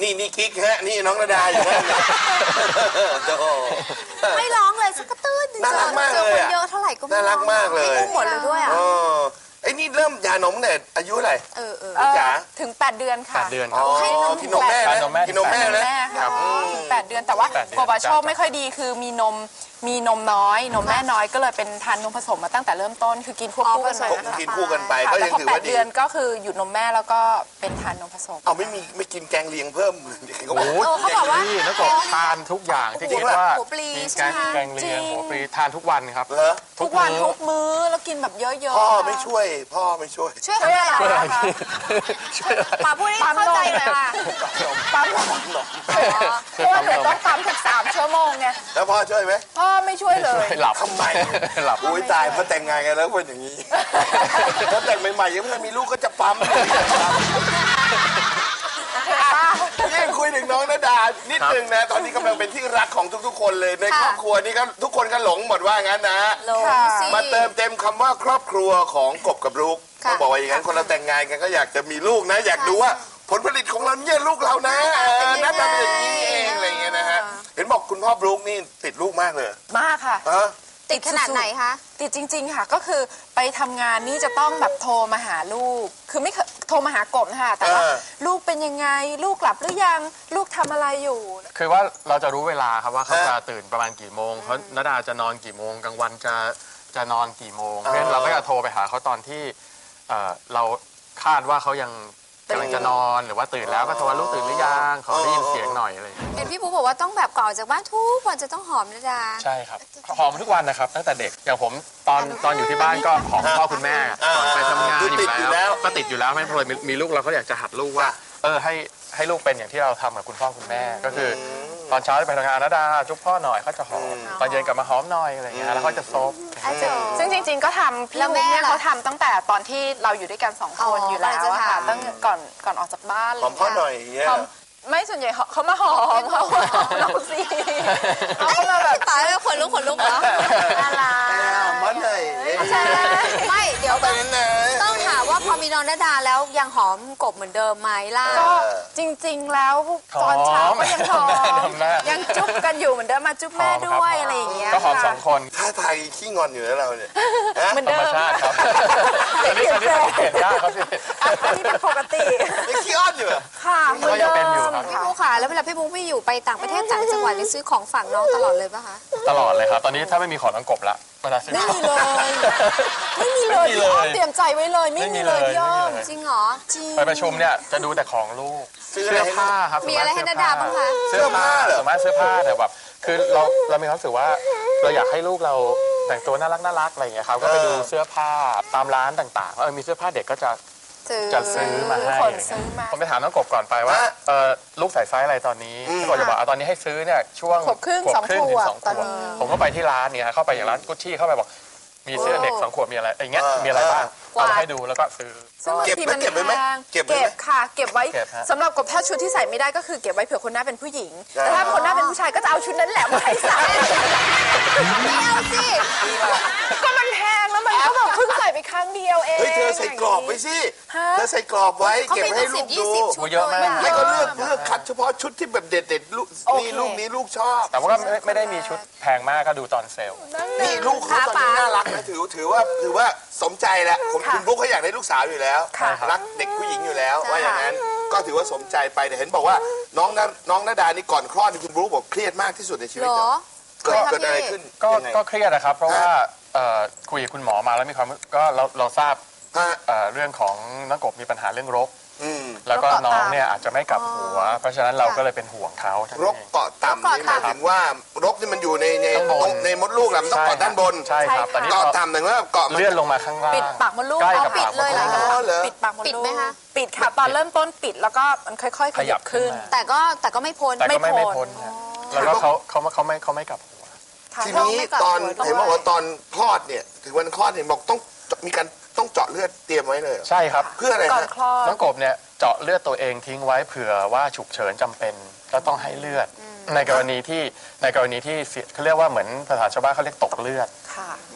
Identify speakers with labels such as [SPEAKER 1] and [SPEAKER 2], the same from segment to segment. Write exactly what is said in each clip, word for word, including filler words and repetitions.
[SPEAKER 1] นี่นี่กิ๊กฮะนี่น้องระดาอยู่นั่น
[SPEAKER 2] ไม่ร้องเลยสักกระตื้นน่ารักมากเลยเยอะเท่าไหร่ก็
[SPEAKER 1] น่ารักมากเลย
[SPEAKER 2] ไม่หมดเลยด้วยอ่ะ
[SPEAKER 1] ไอ้นี่เริ่มยานมเนี่ยอายุอะไร
[SPEAKER 2] เออเออ
[SPEAKER 3] จ๋าถึงแปดเดือนค่ะ
[SPEAKER 4] แปดเดือนครับ
[SPEAKER 1] กินนมแม่นะกินนมแม่
[SPEAKER 3] นะครับถึงแปดเดือนแต่ว่าโกบาโชคไม่ค่อยดีคือมีนมมีนมน้อยนมแม่น้อยก็เลยเป็นทานนมผสมมาตั้งแต่เริ่มต้นคือกินควบคู่กัน
[SPEAKER 1] ไปกินคู่กันไปก็ยังถือว่าดี
[SPEAKER 3] เดือนก็คือหยุดนมแม่แล้วก็เป็นทานนมผสม
[SPEAKER 1] เอาไม่มีไม่กินแกงเลียงเพิ่ม
[SPEAKER 4] โอ้โหเขาบอกว่านักกบทานทุกอย่างที่คิดว่ามีแกงแกงเลียงหัวปลีทานทุกวันครับ
[SPEAKER 3] ทุกวันทุกมื้อแล้วกินแบบเยอะๆ
[SPEAKER 1] พ่อไม่ช่วยพ่อไม่ช่วย
[SPEAKER 2] ช่วยอะไรคะป้าพูดให้เข้าใจเลยค่ะ
[SPEAKER 3] ปั๊มนมเพราะว่าหนูต้องปั๊มทุกสามชั่วโมงไง
[SPEAKER 1] แล้วพ่อช่วยไหม
[SPEAKER 3] พ่อไม่ช่วยเลย
[SPEAKER 4] หลับ
[SPEAKER 1] ทำไมหลับอุ้ยตายพอแต่งงานกันแล้วเป็นอย่างนี้ถ้าแต่งใหม่ๆยังไม่มีลูกก็จะปั๊มนี่คุยถึงน้องณดานิดนึงนะตอนนี้กำลังเป็นที่รักของทุกๆคนเลยในครอบครัวนี่ก็ทุกคนก็หลงหมดว่างั้นนะมาเติมเต็มคำว่าครอบครัวของกบกับลูกต้องบอกว่าอย่างนั้นคนเราแต่งงานกันก็อยากจะมีลูกนะอยากดูว่าผลผลิตของเราเนี่ยลูกเรานะหน้าตาเป็นอย่างนี้เองอะไรเงี้ยนะฮะเห็นบอกคุณพ่อบลูกนี่ติดลูกมากเลย
[SPEAKER 3] มากค่ะ
[SPEAKER 2] ติดขนาดไหนคะ
[SPEAKER 3] ติดจริงๆค่ะก็คือไปทำงานนี่จะต้องแบบโทรมาหาลูกคือไม่โทรมาหากบนะคะแต่ว่าลูกเป็นยังไงลูกหลับหรือยังลูกทำอะไรอยู่
[SPEAKER 4] คือว่าเราจะรู้เวลาครับว่าเขาจะตื่นประมาณกี่โมงเขาณดาจะนอนกี่โมงกลางวันจะจะนอนกี่โมงเพราะฉะนั้นเราก็จะโทรไปหาเขาตอนที่เราคาดว่าเขายังกำลังจะนอนหรือว่าตื่นแล้วก็โทรว่าลูกตื่นหรือยังขอได้ยินเสียงหน่อยอะไร
[SPEAKER 2] เห็นพี่ปุ๊บอกว่าต้องแบบก่อนจากบ้านทุกวันจะต้องหอมณดา
[SPEAKER 4] ใช่ครับหอมทุกวันนะครับตั้งแต่เด็กอย่างผมตอนตอนอยู่ที่บ้านก็หอมพ่อคุณแม่ก่อนไปทำงานอยู่แล้วก็ติดอยู่แล้วไม่พอมีลูกเราก็อยากจะหัดลูกว่าเออให้ให้ลูกเป็นอย่างที่เราทำกับคุณพ่อคุณแม่ก็คือตอนเช้าไปทำงานณดาจุ๊บพ่อหน่อยเขาจะหอมตอนเย็นกลับมาหอมหน่อยอะไรอย่างเงี้ยแล้วเขาจะซบ
[SPEAKER 3] ซึ่งจริงๆก็ทำพี่แม่เขาทำตั้งแต่ตอนที่เราอยู่ด้วยกันสองคนอยู่แล้วค่ะตั้งก่อนก่อนออกจากบ้าน
[SPEAKER 1] หอมพ่อหน่อยเงี้ย
[SPEAKER 3] ไม่ส่วนใหญ่เขามาหอมเขาเราสิเขามาแบบ
[SPEAKER 2] ตายแล้วขนลุกขนลุกเหรอ
[SPEAKER 3] อะไร
[SPEAKER 1] มันเลย
[SPEAKER 2] ใช่ไม่เดี๋ยวต้องถามว่าพอมีน้องณดาแล้วยังหอมกบเหมือนเดิมไหมล่ะ
[SPEAKER 3] ก็จริงๆแล้วตอนเช้าก็ยังหอมยังจุ๊บกันอยู่เหมือนเดิมมาจุ๊บแม่ด้วยอะไรอย่างเงี้ย
[SPEAKER 4] ก็หอมสองคน
[SPEAKER 1] ท่าทางขี้งอนอยู่แล้วเราเนี่ย
[SPEAKER 3] เหมือนเดิม
[SPEAKER 4] ครับอันนี้อันนี้เปลี่ยนได้ครับพี่
[SPEAKER 3] อันนี้เป็นปกติ
[SPEAKER 1] ไม่ขี้อ้อนอยู่
[SPEAKER 3] ค่ะเหมือนเดิม
[SPEAKER 2] พี่ปุ๊ค่ะแล้วเวลาพี่ปุ๊ไม่อยู่ไปต่างประเทศต่างจังหวัดนี่ซื้อของฝากน้องตลอดเลยป่ะคะ
[SPEAKER 4] ตลอดเลยครับตอนนี้ถ้าไม่มีของน้องกบละเวลาซื้อ
[SPEAKER 3] ไม่มีเลยไม่มีเลยพี่อ้อมเตรียมใจไว้เลยไม่มีเลยพี่อ้อม
[SPEAKER 2] จริงเหรอจริง
[SPEAKER 4] ไปประชุมเนี่ยจะดูแต่ของลูกเสื้อผ้าครับ
[SPEAKER 2] มีอะไรให้ณดาบ้างคะ
[SPEAKER 4] เสื้อผ้าสามารถเสื้อผ้าแต่แบบคือเราเรามีความรู้สึกว่าเราอยากให้ลูกเราแต่งตัวน่ารักน่ารักอะไรอย่างเงี้ยครับก็ไปดูเสื้อผ้าตามร้านต่างๆว่ามีเสื้อผ้าเด็กก็จะจะซื้อมาให้ผมไปถามน้องกบก่อนไปว่าลูกใส่ไซส์อะไรตอนนี้ก็จะบอกตอนนี้ให้ซื้อเนี่ยช่วง
[SPEAKER 3] ขวบครึ่งสองขวบตอนนี้
[SPEAKER 4] ผมก็ไปที่ร้านเนี่ยเข้าไปอย่างร้านกุชชี่เข้าไปบอกมีเสื้อเด็กสองขวบมีอะไรอย่างเงี้ยมีอะไรบ้างเอาให้ดูแล้วก็ซื้อ
[SPEAKER 1] เก็บเก็บไว้ไหม
[SPEAKER 3] เก็บค่ะเก็บไว้สำหรับกบถ้าชุดที่ใส่ไม่ได้ก็คือเก็บไว้เผื่อคนหน้าเป็นผู้หญิงแต่ถ้าคนหน้าเป็นผู้ชายก็จะเอาชุดนั้นแหละมาให้ใส่
[SPEAKER 2] ไม่เอาสิ
[SPEAKER 3] ก็มันแพงแล้วมันก็แบบเพิ่งใส่ไปครั้งเดียวเอง
[SPEAKER 1] เฮ้ยเธอใส่กรอบไว้สิเธอใส่กรอบไว้เก็บให้ลูกดู
[SPEAKER 4] เยอะมาก
[SPEAKER 1] ให้เขาเลือกเลือกคัดเฉพาะชุดที่แบบเด็ดๆลูกนี่ลูกนี้ลูกชอบ
[SPEAKER 4] แต่ว่าก็ไม่ได้มีชุดแพงมากก็ดูตอนเซลล์
[SPEAKER 1] นี่ลูกเขาตอนนี้น่ารักนะถือถือว่าถือว่าสมใจแล้วคุณบุ๊กเขาอยากได้ลูกสาวอยู่แล้วรักเด็กผู้หญิงอยู่แล้วว่าอย่างนั้นก็ถือว่าสมใจไปแต่เห็นบอกว่าน้องน้องณดานี่ก่อนคลอดคุณบุ๊กบอกเครียดมากที่สุดในชีวิตเหรอเกิดอะไรขึ้น
[SPEAKER 4] ก็เครียดนะครับเพราะว่าคุยกับคุณหมอมาแล้วมีความก็เราเราทราบเรื่องของน้องกบมีปัญหาเรื่องรกแล้วก็น้องเนี่ยอาจจะไม่กลับหัวเพราะฉะนั้นเราก็เลยเป็นห่วงเขา
[SPEAKER 1] รกเกาะต่ำนี่หมายถึงว่ารกที่มันอยู่ในในในมดลูกมันต้องเกาะด้านบน
[SPEAKER 4] ใช่ครับตอนนี้
[SPEAKER 1] เกาะต่ำหนึ่งว่าเกาะ
[SPEAKER 4] เลื่อนลงมาข้างล่าง
[SPEAKER 3] ปิดปากมดลูก
[SPEAKER 4] ใกล้กับ
[SPEAKER 3] ปิดเลยเหร
[SPEAKER 1] อ
[SPEAKER 3] ปิดปากมดลูกปิดไหมคะปิดค่ะตอนเริ่มต้นปิดแล้วก็มันค่อยๆขยับขึ้น
[SPEAKER 2] แต่ก็แต่ก็ไม่พ้น
[SPEAKER 4] ไม่พ้นแล้วก็เขาเขาเขาไม่เขาไม่กลับหัว
[SPEAKER 1] ทีนี้ตอนเห็นบอกว่าตอนคลอดเนี่ยถึงวันคลอดเห็นบอกต้องมีการต้องเจาะเลือดเตรียมไว้เลย
[SPEAKER 4] ใช่ครับ
[SPEAKER 1] เพื่ออะไร
[SPEAKER 3] ก่อนคลอด
[SPEAKER 4] น้องกบเนี่ยเจาะเลือดตัวเองทิ้งไว้เผื่อว่าฉุกเฉินจำเป็นแล้วต้องให้เลือดในกรณีที่ในกรณีที่เขาเรียกว่าเหมือนภาษาชาวบ้านเขาเรียกตกเลือด
[SPEAKER 3] ค่ะ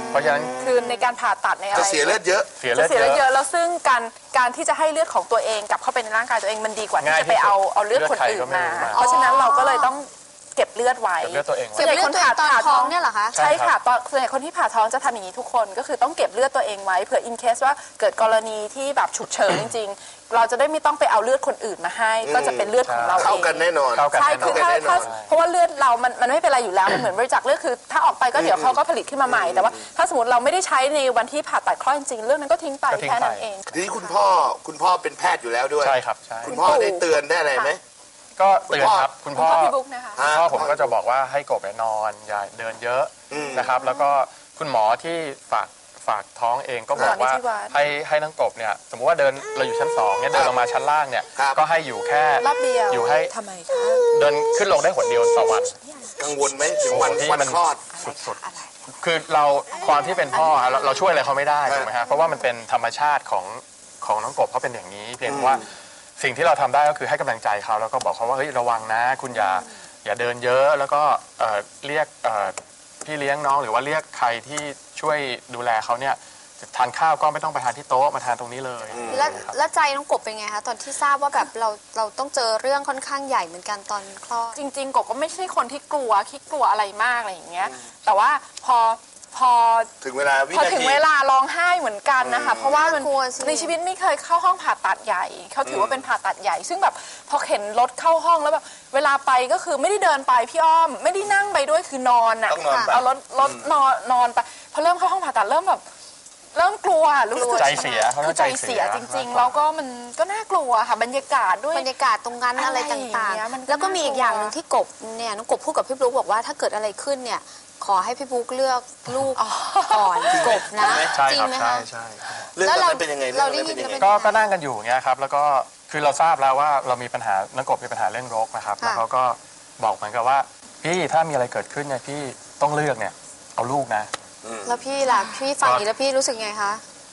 [SPEAKER 4] เพราะฉะนั้น
[SPEAKER 3] คือในการผ่าตัดในอะไร
[SPEAKER 1] จะเสียเลือดเยอะ
[SPEAKER 4] เสีย
[SPEAKER 3] จะ
[SPEAKER 4] เลือด
[SPEAKER 3] เสียเลือด
[SPEAKER 4] เย
[SPEAKER 3] เย
[SPEAKER 4] อะ
[SPEAKER 3] อะแล้วซึ่งการการที่จะให้เลือดของตัวเองกลับเข้าไปในร่างกายตัวเองมันดีกว่าที่
[SPEAKER 4] ง่าย
[SPEAKER 3] จะไปเอา
[SPEAKER 4] ที่สุด
[SPEAKER 3] เอาเลือดคนอื่น
[SPEAKER 4] เลือดใครก็ไม่
[SPEAKER 3] มา
[SPEAKER 4] รู้มา
[SPEAKER 3] เพราะฉะนั้นเราก็เลยต้องเก็บเลือดไว้
[SPEAKER 4] เก็บเลือดตัวเองไว้
[SPEAKER 2] เก็บเลือดตัวเองตอนท้องเนี่ยเหรอคะ
[SPEAKER 3] ใช่ค่ะตอนส่วนใหญ่คนที่ผ่าท้องจะทำอย่างนี้ทุกคนก็คือต้องเก็บเลือดตัวเองไว้เผื่ออินเคสว่าเกิดกรณีที่แบบฉุกเฉินจริงๆ เราจะได้ไม่ต้องไปเอาเลือดคนอื่นมาให้ ก็จะเป็นเลือดของเราเอง
[SPEAKER 1] เข้ากันแน่นอน
[SPEAKER 4] เข้ากัน
[SPEAKER 3] ใช่
[SPEAKER 4] แน่น
[SPEAKER 3] คือ
[SPEAKER 4] อน
[SPEAKER 3] ถ้า
[SPEAKER 1] แน่นอน
[SPEAKER 3] ถ้าเพราะว่าเลือดเรามันมันไม่เป็นไรอยู่แล้วมันเหมือนบริจาคเลือดคือถ้าออกไปก็เดี๋ยวเขาก็ผลิตขึ้นมาใหม่แต่ว่าถ้าสมมติเราไม่ได้ใช้ในวันที่ผ่าตัดคลอดจริงๆเรื่องนั้นก็ทิ้งไป
[SPEAKER 4] ก็ทิ้ง
[SPEAKER 3] แค่นั้น
[SPEAKER 4] ไป
[SPEAKER 3] เอง
[SPEAKER 1] ทีนี้คุณพ่อคุณพ่อเป็นแพทย์อยู่แล้วด้วย
[SPEAKER 4] ใช่ครับใช่
[SPEAKER 1] คุณพ่อได้เตือนได้อะไรไหม
[SPEAKER 4] ก็เตือนครับคุณพ่อ
[SPEAKER 3] คุณพ่อพี่บุ๊กนะคะ
[SPEAKER 4] คุณพ่อผมก็จะบอกว่าให้กบไปนอนอย่าเดินเยอะ
[SPEAKER 1] อืม
[SPEAKER 4] นะครับ แล้วก็คุณหมอที่ฝากฝากท้องเองก็บอกว่า
[SPEAKER 3] หมอนิติวัฒน์
[SPEAKER 4] ให้ให้น้องกบเนี่ยสมมุติว่าเดินเราอยู่ชั้นสองเนี่ยเดินลงมาชั้นล่างเนี่ย
[SPEAKER 1] ครับ
[SPEAKER 4] ก็ให้อยู่แค่
[SPEAKER 3] รอบเดียว
[SPEAKER 4] อยู่ให้
[SPEAKER 3] ทำไมคะ
[SPEAKER 4] เดินขึ้นลงได้หนเดียวต่อวัน
[SPEAKER 1] กังวลไหมถึงวัน
[SPEAKER 4] โอ้โหที่
[SPEAKER 1] วัน
[SPEAKER 4] มัน
[SPEAKER 1] คลอด
[SPEAKER 4] สุดๆคือเราความที่เป็นพ่อเราเราช่วยอะไรเขาไม่ได้ถูกไหมฮะเพราะว่ามันเป็นธรรมชาติของของน้องกบเขาเป็นอย่างนี้ เพียงแต่ว่าสิ่งที่เราทำได้ก็คือให้กำลังใจเขาแล้วก็บอกเขาว่าเฮ้ยระวังนะ คุณอย่าอย่าเดินเยอะแล้วก็เอ่อเรียกเอ่อพี่เลี้ยงน้องหรือว่าเรียกใครที่ช่วยดูแลเขาเนี่ยทานข้าวก็ไม่ต้องไปทานที่โต๊ะมาทานตรงนี้เลย
[SPEAKER 2] แล้วแล้วใจน้องกบเป็นไงคะตอนที่ทราบว่าแบบเราเราต้องเจอเรื่องค่อนข้างใหญ่เหมือนกันตอนคลอด
[SPEAKER 3] จริงๆกบก็ไม่ใช่คนที่กลัวคิดกลัวอะไรมากอะไรอย่างเงี้ยแต่ว่าพอพอ
[SPEAKER 1] ถึงเวลาวิ
[SPEAKER 3] พอ
[SPEAKER 1] นา
[SPEAKER 3] ถึง
[SPEAKER 1] ที
[SPEAKER 3] เวลาร้องไห้เหมือนกันนะคะ เพราะว่ามัน
[SPEAKER 2] น่ากลัวสิ
[SPEAKER 3] ในชีวิตไม่เคยเข้าห้องผ่าตัดใหญ่เขาถือว่าเป็นผ่าตัดใหญ่ ซึ่งแบบพอเข็นรถเข้าห้องแล้วแบบเวลาไปก็คือไม่ได้เดินไปพี่อ้อม ไม่ได้นั่งไปด้วยคือนอนอ่ะ
[SPEAKER 1] ต้องนอนไป
[SPEAKER 3] เอารถรถนอนนอนไปพอเริ่มเข้าห้องผ่าตัดเริ่มแบบเริ่มกลัวรู้สึก
[SPEAKER 4] ใจเสียเขาเรียก
[SPEAKER 3] คือใจ
[SPEAKER 4] ใจเสี
[SPEAKER 3] เสีย
[SPEAKER 4] ย
[SPEAKER 3] จริง ๆ แล้วก็มันก็น่ากลัวค่ะบรรยากาศด้วย
[SPEAKER 2] บรรยากาศตรงนั้นอะไร
[SPEAKER 3] อะไรอย่าง
[SPEAKER 2] ต่าง
[SPEAKER 3] เงี้ยมันก็
[SPEAKER 2] ๆ แล้วก็มีอีกอย่างหนึ่ง
[SPEAKER 3] น่ากลัว
[SPEAKER 2] ที่กบเนี่ยน้องกบพูดกับพี่บลุ๊กบอกว่าถ้าเกิดอะไรขึ้นเนี่ยขอให้พี่บลุ๊กเลือกลูกก่อนกบนะ
[SPEAKER 4] ใช่
[SPEAKER 2] จริ
[SPEAKER 4] ค
[SPEAKER 2] ง
[SPEAKER 4] รับ
[SPEAKER 2] ไหม
[SPEAKER 4] ใช่
[SPEAKER 2] คะ
[SPEAKER 4] ใช่ครับ
[SPEAKER 1] เรื่องตอนนั้นเป็นยังไง
[SPEAKER 2] เรา
[SPEAKER 1] เรื่องตอนนั้นเป็น
[SPEAKER 2] ได้ยิน
[SPEAKER 1] ยังไง
[SPEAKER 4] ก็ก็นั่งกันอยู่อย่างเงี้ยครับแล้วก็คือเราทราบแล้วว่าเรามีปัญหาน้องกบมีปัญหาเรื่องรกนะครับแล้วเขาก็บอกเหมือนกับว่าพี่ถ้ามีอะไรเกิดขึ้นเนี่ยพี่ต้องเลือกเนี่ยเอาลูกนะ
[SPEAKER 2] แล้วพี่ล่ะพี่ฟังอย่างนี้แล้วพี่รู้สึกไงคะ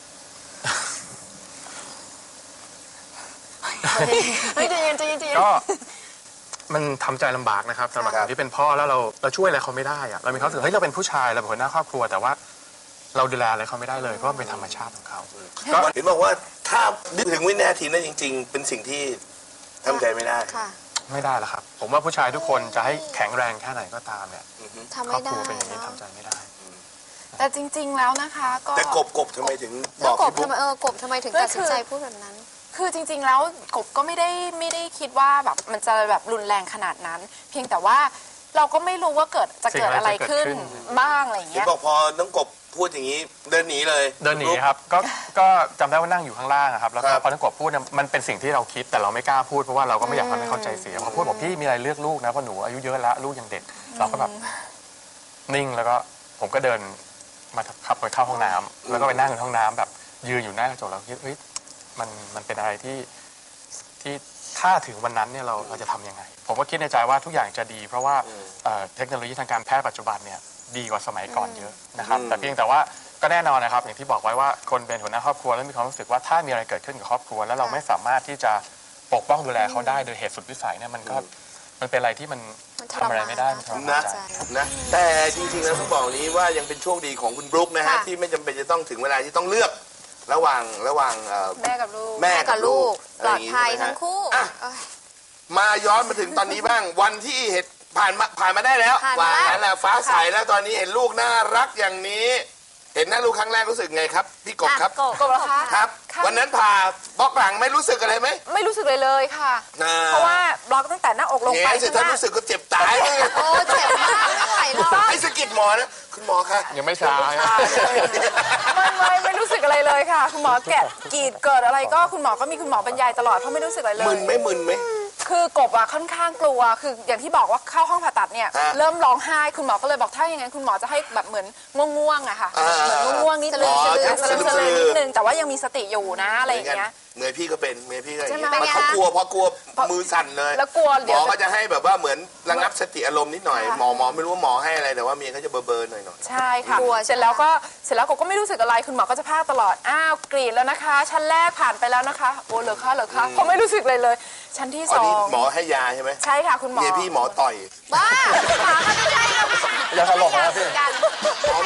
[SPEAKER 3] เฮ้ยใจเย็นใจเย็นใจเย็น
[SPEAKER 4] ก็มันทำใจลำบากนะครับสำหรับคนที่เป็นพ่อแล้วเราเราช่วยอะไรเขาไม่ได้อะเรามีความรู้สึกเฮ้ยเราเป็นผู้ชายเราเป็นหัวหน้าครอบครัวแต่ว่าเราดูแลอะไรเขาไม่ได้เลยเพราะมันเป็นธรรมชาติของเขาก็
[SPEAKER 1] เห็นบอกว่าถ้านึกถึงวินาทีนั้นจริง ๆ เป็นสิ่งที่ทำใจไม่ได้
[SPEAKER 2] ค่ะ
[SPEAKER 4] ไม่ได้แล้วครับ ผมว่าผู้ชายทุกคนจะให้แข็งแรงแค่ไหนก็ตามเนี่ย
[SPEAKER 2] ทำ
[SPEAKER 4] ครอ
[SPEAKER 2] ไม่
[SPEAKER 4] บค
[SPEAKER 2] ได้
[SPEAKER 4] รัวเป็นอย่างนี้
[SPEAKER 2] เนอะ
[SPEAKER 4] ทำใจไม่ได้
[SPEAKER 3] แต่จริง ๆ แล้วนะคะก็
[SPEAKER 1] แต่กบกบทำไมถึงบ
[SPEAKER 2] แล้
[SPEAKER 1] อ
[SPEAKER 2] ว
[SPEAKER 1] ก
[SPEAKER 2] กบ
[SPEAKER 1] พี่บุ๊
[SPEAKER 2] ทำ
[SPEAKER 1] ก
[SPEAKER 2] ไมเออกบทำไมถึง
[SPEAKER 3] ก็คือ
[SPEAKER 2] ตัดสินใจพูดแบบนั้น
[SPEAKER 3] คือจริง ๆ แล้วกบก็ไม่ได้ไม่ได้คิดว่าแบบมันจะแบบรุนแรงขนาดนั้น เพียงแต่ว่าเราก็ไม่รู้ว่าเกิดจะเกิดอะไรขึ้นบ้างอะไรอย่าง
[SPEAKER 1] เห็น
[SPEAKER 3] เงี้ย
[SPEAKER 1] บอกพอน้องกบพูดอย่างนี้เดินหนีเลย
[SPEAKER 4] เดินหนีครับก็ก็จำได้ว่านั่งอยู่ข้างล่างอะครับแล้วก็
[SPEAKER 1] ครับ
[SPEAKER 4] พอทั้งกบพูดเนี่ยมันเป็นสิ่งที่เราคิดแต่เราไม่กล้าพูดเพราะว่าเราก็ไม่อยากทำให้เขาใจเสียพอพูดบอกพี่มีอะไรเลือกลูกนะเพราะหนูอายุเยอะแล้วลูกยังเด็ก เราก็แบบนิ่งแล้วก็ผมก็เดินมาขับไปเข้าห้องน้ำแล้วก็ไปนั่งในห้องน้ำแบบยืนอยู่หน้ากระจกแล้วคิดเฮ้ยมันมันเป็นอะไรที่ที่ถ้าถึงวันนั้นเนี่ยเราเราจะทำยังไง ผมก็คิดในใจว่าทุกอย่างจะดี เพราะว่าเอ่อเทคโนโลยีทางการแพทย์ปัจจุบันเนี่ยดีกว่าสมัยก่อนเยอะนะครับแต่เพียงแต่ว่าก็แน่นอนนะครับอย่างที่บอกไว้ว่าคนเป็นหัวหน้าครอบครัวแล้วมีความรู้สึกว่าถ้ามีอะไรเกิดขึ้นกับครอบครัว แล้วเราไม่สามารถที่จะปกป้องดูแลเขาได้โดยเหตุสุดวิสัยเนี่ยมันก็มันเป็นอะไรที่มัน
[SPEAKER 2] มันท
[SPEAKER 4] ทำ
[SPEAKER 2] ร
[SPEAKER 4] อะไร
[SPEAKER 2] มาน
[SPEAKER 4] ไม่ได้มันทรมา
[SPEAKER 1] นะ
[SPEAKER 4] นใจ
[SPEAKER 1] นะแต่จริงๆแล้วต้องบอกนี้ว่ายังเป็นโชคดีของคุณบรุ๊คนะฮะ
[SPEAKER 2] ค่ะ
[SPEAKER 1] ที่ไม่จำเป็นจะต้องถึงเวลาที่ต้องเลือกระหว่างระหว่างเอ่อ
[SPEAKER 3] แม่กับลูก
[SPEAKER 1] แม่
[SPEAKER 2] แม่
[SPEAKER 1] กั
[SPEAKER 2] กั
[SPEAKER 1] บบ ลู
[SPEAKER 2] ลู
[SPEAKER 1] ก
[SPEAKER 2] ก
[SPEAKER 1] อะไร
[SPEAKER 2] ปล
[SPEAKER 1] อ
[SPEAKER 2] อด
[SPEAKER 1] ย่างงี้
[SPEAKER 2] ภัย
[SPEAKER 1] ใช่ไหม
[SPEAKER 2] ทั้งคู่
[SPEAKER 1] อ่ะ
[SPEAKER 2] เอ้ย
[SPEAKER 1] มาย้อนมาถึงตอนนี้บ้าง วันที่เห็นผ่านมาผ่านมาได้แล้ว
[SPEAKER 2] ผ่าน
[SPEAKER 1] วา
[SPEAKER 2] มาแล้ว
[SPEAKER 1] นั้นแหละฟ้าใสแล้วตอนนี้เห็นลูกน่ารักอย่างนี้ เห็นหน้าลูกครั้งแรกรู้สึกไงครับพี่กบครับ
[SPEAKER 2] อ่ะ
[SPEAKER 3] กบเหรอคะ
[SPEAKER 1] ครับ
[SPEAKER 3] ค่ะ
[SPEAKER 1] วันนั้นผ่าบล็อกหลังไม่รู้สึกอะไรไหม
[SPEAKER 3] ไม่รู้สึกเลยเลยค่ะ
[SPEAKER 1] อ่
[SPEAKER 3] เพราะว่าบล็อกตั้งแต่หน้าอกลง
[SPEAKER 1] เฮ้
[SPEAKER 3] ไป
[SPEAKER 1] ยสิถ้ารู้สึกก็เจ็บตายเลย
[SPEAKER 2] โอ้เจ็บมากไม่ไหวหรอก
[SPEAKER 1] ไอ้สะกิดหมอนะคุณหมอคะ
[SPEAKER 4] ยังไม่ช้า
[SPEAKER 3] ไม่ไม่ไม่รู้สึกอะไรเลยค่ะ คุณหมอแกะกรีดเกิดอะไรก็คุณหมอก็มีคุณหมอบรรยายตลอดเพราะไม่รู้สึกอะไรเลย
[SPEAKER 1] มึนไหม่มึนไหม
[SPEAKER 3] คือกบอะค่อนข้างกลัว คืออย่างที่บอกว่าเข้าห้องผ่าตัดเนี่ย
[SPEAKER 1] ฮะ
[SPEAKER 3] เริ่มร้องไห้คุณหมอก็เลยบอกถ้าอย่างนั้นคุณหมอจะให้แบบเหมือนง่วงๆอะค่ะ
[SPEAKER 1] อ่า
[SPEAKER 3] เหมือนง่วงๆนิดนึง
[SPEAKER 1] อ๋อ
[SPEAKER 3] สลืม
[SPEAKER 1] จะ
[SPEAKER 3] สลืม
[SPEAKER 1] สลืม
[SPEAKER 3] นิดนึงแต่ว่ายังมีสติอยู่นะอะไรอย่างเงี้ย
[SPEAKER 1] เมียพี่ก็เป็นเมียพี่ก็อย่าง
[SPEAKER 3] ใช่
[SPEAKER 1] เงี้
[SPEAKER 3] ไหม
[SPEAKER 1] ยมันเขากลัวเพราะกลัวมือสั่นเลย
[SPEAKER 3] แล้วกลัว
[SPEAKER 1] ห
[SPEAKER 3] เดี๋
[SPEAKER 1] ม
[SPEAKER 3] ยว
[SPEAKER 1] อก็จะให้แบบว่าเหมือนระงับสติอารมณ์นิดหน่อย
[SPEAKER 3] ค่ะ
[SPEAKER 1] หมอหมอไม่รู้ว่าหมอให้อะไรแต่ว่าเมียเขาจะเบอร์เบอร์หน่อยหน่อย
[SPEAKER 3] ใช่ค่ะ
[SPEAKER 2] กลัว
[SPEAKER 3] เสร็จแล้วก็เสร็จแล้วกบก็ไม่รู้สึกอะไรคุณหมอก็จะพากตลอดอ้าวกรีดแล้วนะคะ ชั้นแรกผ่านไปแล้วนะคะโอ้เหรอคะเหรอคะผมไม่รู้สึกเลยเลย ชั้นที่
[SPEAKER 1] อ๋
[SPEAKER 3] ส
[SPEAKER 1] อ
[SPEAKER 3] อ
[SPEAKER 1] นี่
[SPEAKER 3] ง
[SPEAKER 1] หมอให้ยาใช่ไหม
[SPEAKER 3] ใช่ค่ะคุณหมอ
[SPEAKER 1] เมียพี่หมอต่อย
[SPEAKER 2] บ้าหมาก็ไม่ใช่นะ
[SPEAKER 4] อย่าตลกนะพี่
[SPEAKER 2] กัน
[SPEAKER 1] หมอบอกยาหม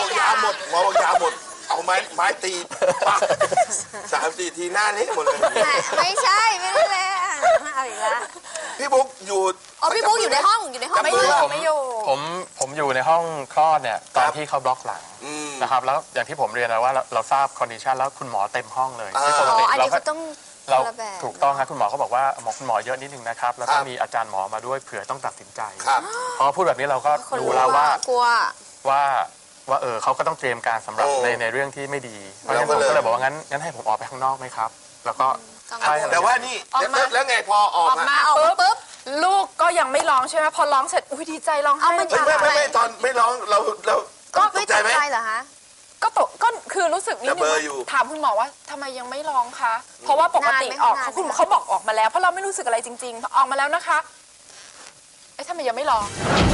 [SPEAKER 1] ดหมอบอกยาหมดเอาไม้ไม้ตีปักสามสี่ทีหน้าเละหมดเลย
[SPEAKER 2] ไม่ไม่ใช่ไม่ได้เลยเอาอีกแล้ว
[SPEAKER 1] พี่บุ๊กอยู่
[SPEAKER 2] อ๋อพี่บุ๊กอยู่ในห้องอยู่ในห้อง
[SPEAKER 3] ไม่อยู่ไม่อยู่
[SPEAKER 4] ผมผมอยู่ในห้องคลอดเนี่ยตอนที่เขาบล็อกหลัง
[SPEAKER 1] อืม
[SPEAKER 4] นะครับแล้วอย่างที่ผมเรียนนะว่าเราเราทราบคอนดิชันแล้วคุณหมอเต็มห้องเลย
[SPEAKER 1] อ่า
[SPEAKER 4] ที่ปก
[SPEAKER 2] อ๋อ
[SPEAKER 4] ติ
[SPEAKER 2] อัน
[SPEAKER 4] เรา
[SPEAKER 2] นี้
[SPEAKER 4] ก็
[SPEAKER 2] ก็ต้อง
[SPEAKER 4] เรา
[SPEAKER 2] คนละแบบ
[SPEAKER 4] ถูกต้องครับคุณหมอเขาบอกว่าหมอคุณหมอเยอะนิดนึงนะครับแล้วก็
[SPEAKER 1] ครับ
[SPEAKER 4] มีอาจารย์หมอมาด้วยเผื่อต้องตัดสินใจ
[SPEAKER 1] ครับ
[SPEAKER 4] พอพูดแบบนี้เราก็
[SPEAKER 2] คน
[SPEAKER 4] รู้แล้วว่า
[SPEAKER 2] กลัว
[SPEAKER 4] ว่าว่าเออเขาก็ต้องเตรียมการสำหรับ
[SPEAKER 1] โอ้
[SPEAKER 4] ในในเรื่องที่ไม่ดีเพราะฉะนั้น
[SPEAKER 1] เรา
[SPEAKER 4] ผม
[SPEAKER 1] ก็เลย
[SPEAKER 4] ก็เลยบอกว่างั้นงั้นให้ผมออกไปข้างนอกไหมครับ แล้วก็
[SPEAKER 2] ต้อง
[SPEAKER 4] ใช่
[SPEAKER 1] แต่ว่านี่
[SPEAKER 3] ออกมา
[SPEAKER 1] แล้วแล้วไงพอออก
[SPEAKER 3] ออก
[SPEAKER 1] มา
[SPEAKER 3] มา
[SPEAKER 2] ออกมา
[SPEAKER 3] ปุ๊บ
[SPEAKER 2] ปุ๊บ
[SPEAKER 3] ลูกก็ยังไม่ร้องใช่ไหมพอร้องเสร็จอุ้ยดีใจร้องไห้
[SPEAKER 2] เอามัน
[SPEAKER 1] เฮ้ยไม่ไม่ไม่ตอนไม่ร้องเราเรา
[SPEAKER 2] ก็
[SPEAKER 1] ต
[SPEAKER 2] ไม่
[SPEAKER 1] กใจ
[SPEAKER 2] ตก
[SPEAKER 1] ไหม
[SPEAKER 2] ใจเหรอฮะ
[SPEAKER 3] ก็ตกก็คือรู้สึกนิด
[SPEAKER 1] แต่
[SPEAKER 3] นึ
[SPEAKER 1] เบ
[SPEAKER 3] ง
[SPEAKER 1] อร์
[SPEAKER 3] ว่า
[SPEAKER 1] อยู่
[SPEAKER 3] ถามคุณหมอว่าทำไมยังไม่ร้องคะเพราะว่าปกติ
[SPEAKER 2] นานไหม
[SPEAKER 3] ออก
[SPEAKER 2] นานไหม
[SPEAKER 3] เขาคุณหมอเขาบอกออกมาแล้วเพราะเราไม่รู้สึกอะไรจริงๆออกมาแล้วนะคะเอ๊ะทำไมยังไม่ร้อง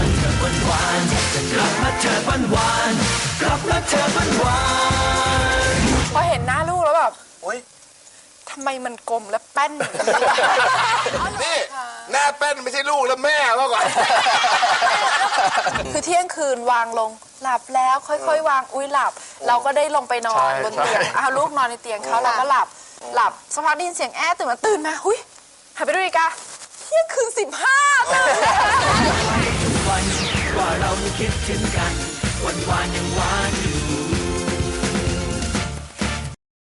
[SPEAKER 3] พอเห็นหน้าลูกแล้วแบบ
[SPEAKER 1] โอ๊ย
[SPEAKER 3] ทำไมมันกลมและแป้นอย่างนี้
[SPEAKER 1] นี่หน้าแป้นไม่ใช่ลูกแล้วแม่เมื่อก่อน
[SPEAKER 3] คือเที่ยงคืนวางลงหลับแล้วค่อยๆ วางอุ้ยหลับ เราก็ได้ลงไปนอนบนเตียงเอาลูกนอนในเตียงเขาเราก็หลับหลับสักพักได้ยินเสียงแอ๊ะตื่นมาตื่นมาหุยหันไปดูอีกาเที่ยงคืนสิบห้าตื่น
[SPEAKER 5] ว่าเรายังคิดถึงกันวันวานยังหวานอยู่